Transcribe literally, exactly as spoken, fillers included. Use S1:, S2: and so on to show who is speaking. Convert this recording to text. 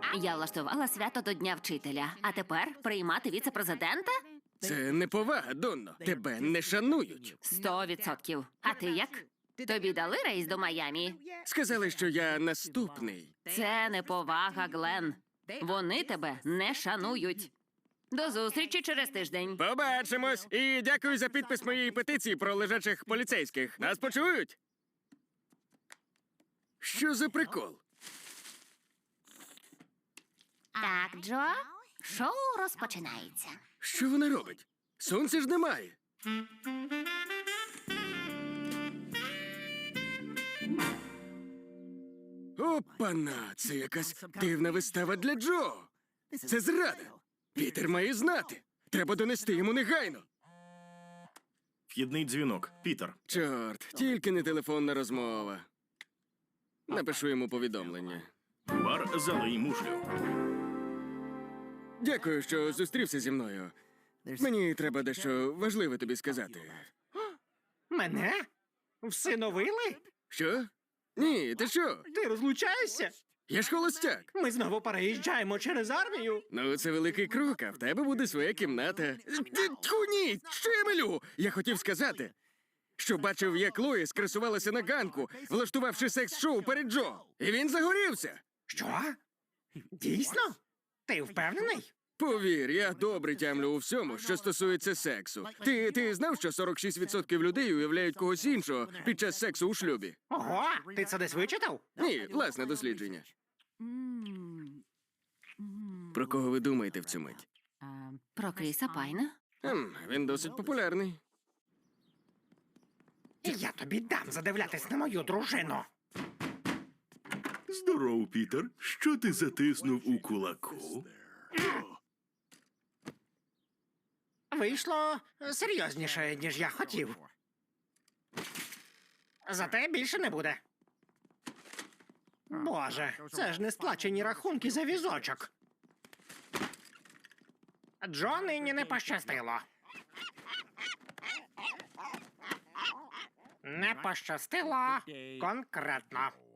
S1: Я влаштувала свято до Дня вчителя, а тепер приймати віце-президента?
S2: Це неповага, Донно. Тебе не шанують.
S1: Сто відсотків. А ти як? Тобі дали рейс до Майамі?
S2: Сказали, що я наступний.
S1: Це неповага, Глен. Вони тебе не шанують. До зустрічі через тиждень.
S2: Побачимось! І дякую за підпис моєї петиції про лежачих поліцейських. Нас почують? Що за прикол?
S1: Так, Джо, шоу розпочинається.
S2: Що вона робить? Сонця ж немає. Опана! Це якась дивна вистава для Джо. Це зрада. Пітер має знати. Треба донести йому негайно.
S3: Вхідний дзвінок. Пітер.
S2: Чорт, тільки не телефонна розмова. Напишу йому повідомлення.
S3: Бар залий мушлю.
S2: Дякую, що зустрівся зі мною. Мені треба дещо важливе тобі сказати.
S4: Мене? Всиновили?
S2: Що? Ні, ти що?
S4: Ти розлучаєшся?
S2: Я ж холостяк.
S4: Ми знову переїжджаємо через армію.
S2: Ну, це великий крок, а в тебе буде своя кімната. Ти тьху, ні! Що я милю? Я хотів сказати, що бачив, як Лоїс красувалася на ганку, влаштувавши секс-шоу перед Джо. І він загорівся.
S4: Що? Дійсно? Ти впевнений?
S2: Повір, я добре тямлю у всьому, що стосується сексу. Ти, ти знав, що сорок шість відсотків людей уявляють когось іншого під час сексу у шлюбі?
S4: Ого, ти це десь вичитав?
S2: Ні, власне дослідження. Про кого ви думаєте в цю мить?
S1: Про Кріса Пайна?
S2: Ем, він досить популярний.
S4: Я тобі дам задивлятись на мою дружину.
S3: Здоров, Пітер. Що ти затиснув у кулаку?
S4: Вийшло серйозніше, ніж я хотів. Зате більше не буде. Боже, це ж не сплачені рахунки за візочок. Джо нині не пощастило. Не пощастило конкретно.